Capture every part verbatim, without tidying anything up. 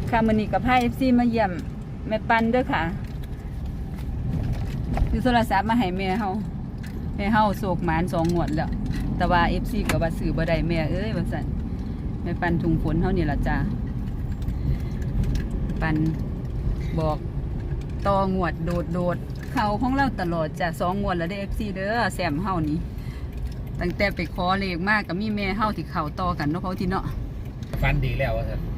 ค่ะมื้อนี้กับพา เอฟ ซี มาเยี่ยมแม่ปันเด้อค่ะคือโทรศัพท์มาให้แม่เฮาแม่เฮาโศกหมานสองงวดแล้วแต่ว่า เอฟ ซี ก็ว่าซื้อบ่ได้แม่เอ้ยว่าซั่นแม่ปันถุงฝนเฮานี่ล่ะจ้าปันบอกต่องวดโดดโดดเข้าของเราตลอดจ้ะสองงวดแล้วได้ เอฟ ซี เด้อแซมเฮานี่ตั้งแต่ไปขอเลขมากก็มีแม่เฮาที่เข้าต่อกันเนาะเขาที่เนาะฟันดีแล้วว่าครับ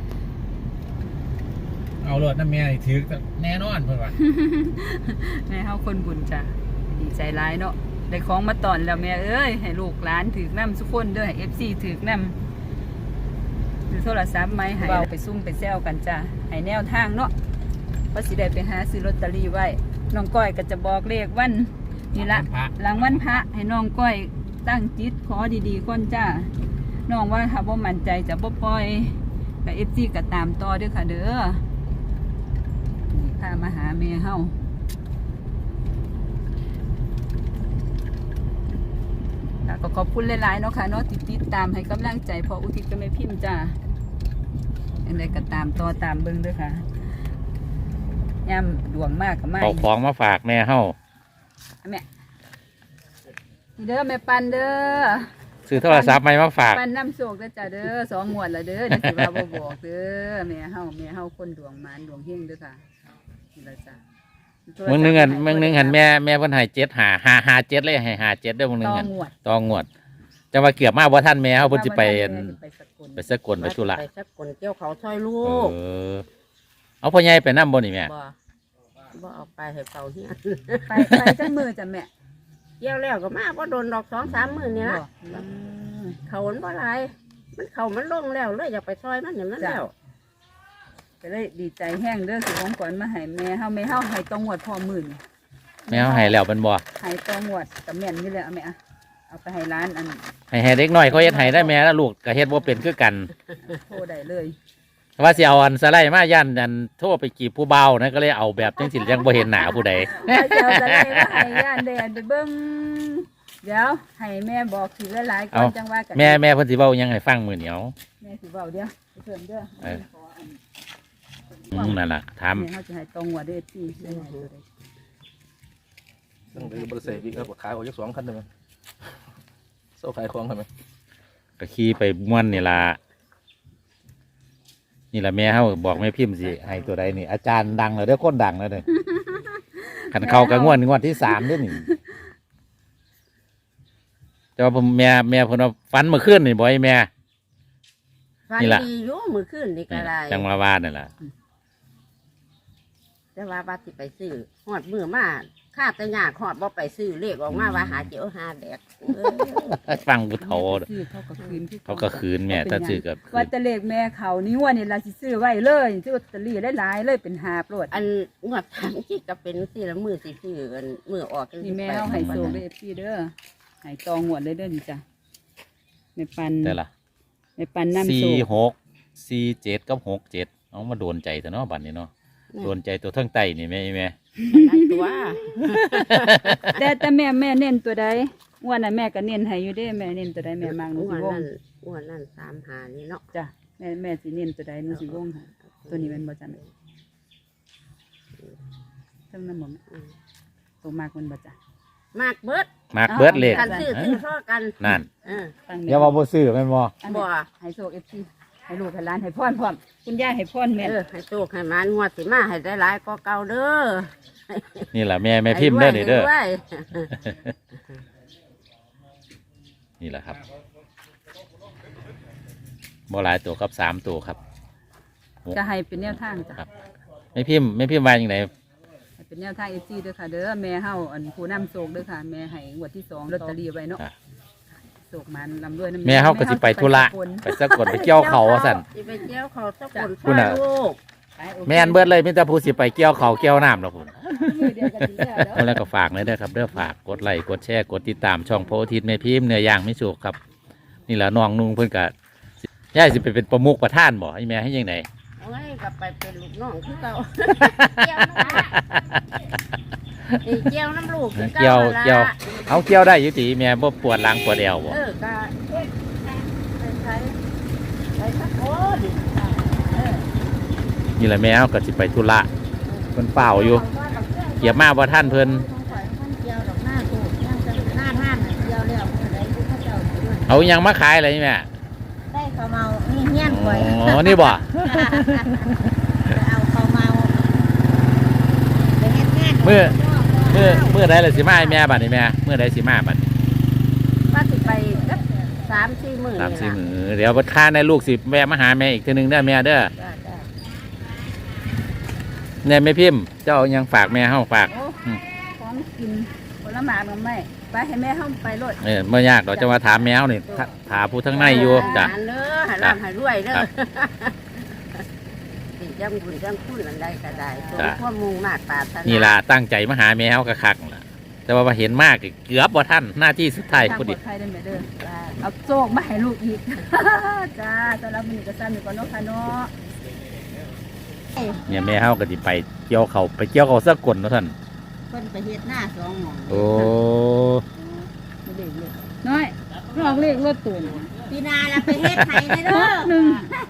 เอารถน้ำเมียถือแน่นอนเพื่อนว่าแม่เฮาคนบุญจ้ะดีใจร้ายเนาะได้ของมาตอนแล้วแม่เอ้ยให้ลูกหลานถือน้ำทุกคนเด้อให้ เอฟ ซี ถือน้ำหรือโทรศัพท์ไหมให้เราไปซุ่มไปแซวกันจ้ะให้แนวทางเนาะเพราะสิได้ไปหาซื้อลอตเตอรี่ไว้น้องก้อยก็จะบอกเลขวันนี่ละหลังวันพระให้น้องก้อยตั้งจิตขอดีๆคนจ้าน้องว่าถ้าบ่มั่นใจจะบ่ปล่อยกับ เอฟ ซี ก็ตามต่อเด้อค่ะเด้อนี่พามาหาแม่เฮาก็ขอบคุณหลายๆเนาะค่ะเนาะติดติดตามให้กำลังใจพออุทิศก็ไม่พิมพ์จ้าอันใดก็ตามต่อตามเบิ่งเด้อค่ะย่ำดวงมากกับมากเอาของมาฝากแม่เฮาแม่นี่เด้อแม่ปันเด้อซื้อโทรศัพท์ใหม่มาฝากปันน้ำโชคเด้อจ้าเด้อสองงวดละเด้อเดี๋ยวสิว่าบ่บอกเด้อแม่เฮาแม่เฮาคนดวงมานดวงเฮงเด้อค่ะนี่ละจ้ะมึงนึงหันมึงนึงหันแม่แม่เพิ่นให้เจ็ดหาหาหาเจ็ดเลยให้หาเจ็ดเด้อมึงนึงต่อหันงวดตองวดจะมาเกือบมาบ่ทันแม่เฮาเพิ่นสิไปแม่สิไปสกลไปสกลไปธุระไปสักคนเกี่ยวเขาช่วยลูเอก อเอาพ่อใหญ่ไปนำบ่นี่แม่บ่บ่เอาไปให้เขาเฮียไปไปจังมือจ้ะแม่เกี่ยวแล้วก็มาบ่โดนดอกสองสามมื้อนี่ละอืมเขามันบ่หลายมันเขามันลงแล้วเลยอยากไปซอยมันอย่างนั้นจ้ะแล้วก็เลยดีใจแห้งเด้อสิของก่อนมาให้แม่เฮาแม่เฮาให้ตองวดพอหมื่นแม่เฮาให้แล้วเป็นบ่ให้ตองวดกับแม่นนี่เลยเอาแม่อะเอาไปให้ร้านอันให้ให้เด็กน้อยเขาเฮ็ดให้ได้แม่แล้วลูกก็เฮ็ดบ่เป็นคือกันโทรได้เลยว่าสิเอาอันสไลด์มาย่านอันโทรไปจีบผู้เบานะก็เลยเอาแบบจังสิยังบ่เห็นหน้าผู้ใดไปเจ้าจะได้ว่าให้ย่านแดนไปเบิ้งเดี๋ยวให้แม่บอกถือหลายๆก่อนจังว่ากันแม่แม่เพิ่นสิเว้ายังให้ฟังมื้อนี้เอาแม่สิเว้าเดี๋ยวไปเพิ่มเด้อเออขออันอืมนั่นล่ะถามแม่เขาจะให้ตรงหัวเด้อที่ได้ให้ตัวใดตั้งแต่บริษัทพี่ครับขายออกจากสองคันได้ไหมโซ่ขายของทำไมก็ขี่ไปม่วนนี่ล่ะนี่ล่ะแม่เฮาบอกแม่พิมพ์สิให้ตัวใดนี่ อาจารย์ดังแล้วเด้อคนดังแล้วเด้อคันเข้ากับงวดงวดที่สามเด้อนี่แต่ว่าผมแม่แม่เพิ่นว่าฝันเมื่อคืนนี่บ่ให้แม่ฟันนี่ล่ะดีอยู่มื้อคืนนี่ก็ได้จังมาว่านั่นล่ะแต่ว่าบัดสิไปซื้อฮอดมื้อมาค่าแต่ยากฮอดบ่ไปซื้อเลขออกมาว่าหาเจียวหาแดกเออฟังผู้เฒ่าซื้อเขาก็คืนคือเขาก็คืนแม่ถ้าซื้อก็คืว่าน จะเลขแม่เขานี่ว่านี่ล่ะสิซื้อไว้เลยซื้อลอตเตอรี่หลายๆเลยเป็นหาบโลดอันงวดทางที่ก็เป็นสิละมื้อสิซื้อกันมื้อออกจังนี่สิแม่ไปเอาให้โซเด้อพี่เด้อให้ตองหัวเลยเด้อนี่จ้ะแม่ปันแต่ละแม่ปันน้ำโซสี่หกสี่เจ็ดกับหกเจ็ดเอามาโดนใจแต่เนาะบัดนี้เนาะโดนใจตัวเทั้งไตนี่แม่แม่อันนั้นตัวแต่แต่แม่แม่เน้นตัวใดงวดน่ะแม่ก็เน้นให้อยู่เด้แม่เน้นตัวใดแม่มักหนูอ้วสินวงนั่นอ้วนนั่นสามหานี่เนาะจ้ะแม่แม่สิเน้นตัวใดหนูสิวงให้ตัวนี้แม่นบ่จ้ะแม่เทั้งนั้นบ่แม่อืมตัวมากมันบ่จ้ะมากเบิดมากเบิดเลขกันซื้อซื้อท่อกันนั่นเออฟังอย่าว่าบ่ซื้อแม่นบ่อันบ่นี้ให้โชค เอฟ ซี ให้ลูกให้หลานให้พรพร้อมคุณย่าให้พรแม่เออให้โชคให้มานงวดสิมาให้ได้หลายก็เก่าเด้อนี่แหละแม่แม่พิมพ์เด้อนี่เด้อให้รวยนี่แหละครับบ่หลายตัวครับสามตัวครับจะให้เป็นแนวทางจ้ะครับแม่พิมพ์แม่พิมพ์ว่าอย่างไรให้เป็นแนวทาง เอฟ ซี เด้อค่ะเด้อแม่เฮาอันผู้นำโชคเด้อค่ะแม่ให้งวดที่สองลอตเตอรี่ไว้เนาะอ่ะโชคมันลำด้วยน้ำแม่เฮาก็สิไปธุระไปสะกดไปเกี่ยวเขาว่าซั่นสิไปเกี่ยวเขาสักคนคุณช่วยน่ะลูกไปโอคแม่นเบิดเลยมีแต่ผู้สิไปเกี่ยวเขาเกี่ยวน้ำแล้วพุ่นมือเดียวกันดีแล้วแล้วก็ฝากเลยเด้อครับเด้อฝากกดไลค์กดแชร์กดติดตามช่องโพธิ์อาทิตย์แม่พิมพ์เนื้อย่างไม่สุกครับ นี่แหละน้องนุ่งเพิ่นก็ย่ายสิไปเป็นประมุขประธานบ่ให้แม่ให้ยังไงเอาไว้กลับไปเป็นลูกน้องคือเก่าเกี่ยวน้ำไอ้เกี่ยวน้ำลูกคือเกี่ยวล่ะเกี่ยวเอาเกี่ยวได้อยู่ติแม่บ่ปวดหลังปวดเอวบ่เออก็เอ๊ะใส่ใส่ใส่สักคนเออนี่แหละแม่เฮาก็สิไปธุระเพิ่นเฝ้าอยู่เกียบมาบ่ทันเพิ่นเกี่ยวดอกหน้าถูกย่างจะหน้าท่านเกี่ยวแล้วอะไรผู้เขาเจ้าด้วยเอาหยังมาขายอะไรนี่แม่ได้ข้าวเมานี่เฮี้ยนก่อยอ๋อนี่บ่ไปเอาข้าวเมาไปเฮ็ดงานเมื่อเมื่อเมื่อใดล่ะสิมาให้แม่บัดนี้แม่เมื่อใดสิมาบัดนี้ว่าสิไปสักสามสี่หมื่นสามสี่นี่มื้ล่ะอเดี๋ยวบ่ค้าในลูกสิแวะมาหาแม่อีกเทื่อนึงเด้อแม่เด้อจ้ะจ้ะแน่แม่พิมพ์เจ้าเอาหยังฝากแม่เฮาฝากโอ้ของกินผลไม้มันไม่ไปให้แม่เฮาไปโลดเออเมื่อยากเราจะมาถามแมวนี่ถถามผู้ทั้งในอยู่จ้ะหาเด้อหาร่ำหารวยเด้อครับสิจังบุญจังคุณอันใดก็ได้สมจ้ะความมุ่งมาตรปรารถนานี่ล่ะตั้งใจมาหาแมวกะคักล่ะแต่ว่ามาเห็นมากเกือบบ่ท่านหน้าที่สุดท้ายทางพอปลดีอดภัยได้ไหมเด้อเอาโชคมาให้ลูกอีก จ้าสำหรับมื้อนี้ก็ซ้ำอยู่ก่อนเนาะค่ะเนาะเนี่ยแม่เฮาก็สิไปเกี่ยวเขาไปเกี่ยวเขาสักกลเนาะท่านเพิ่นไปเฮ็ดหน้าสองหม่องโอ้น้อยลองเลขรถตูนปีหนาแล้วไปเฮ็ดไห้เด้อหนึ่ง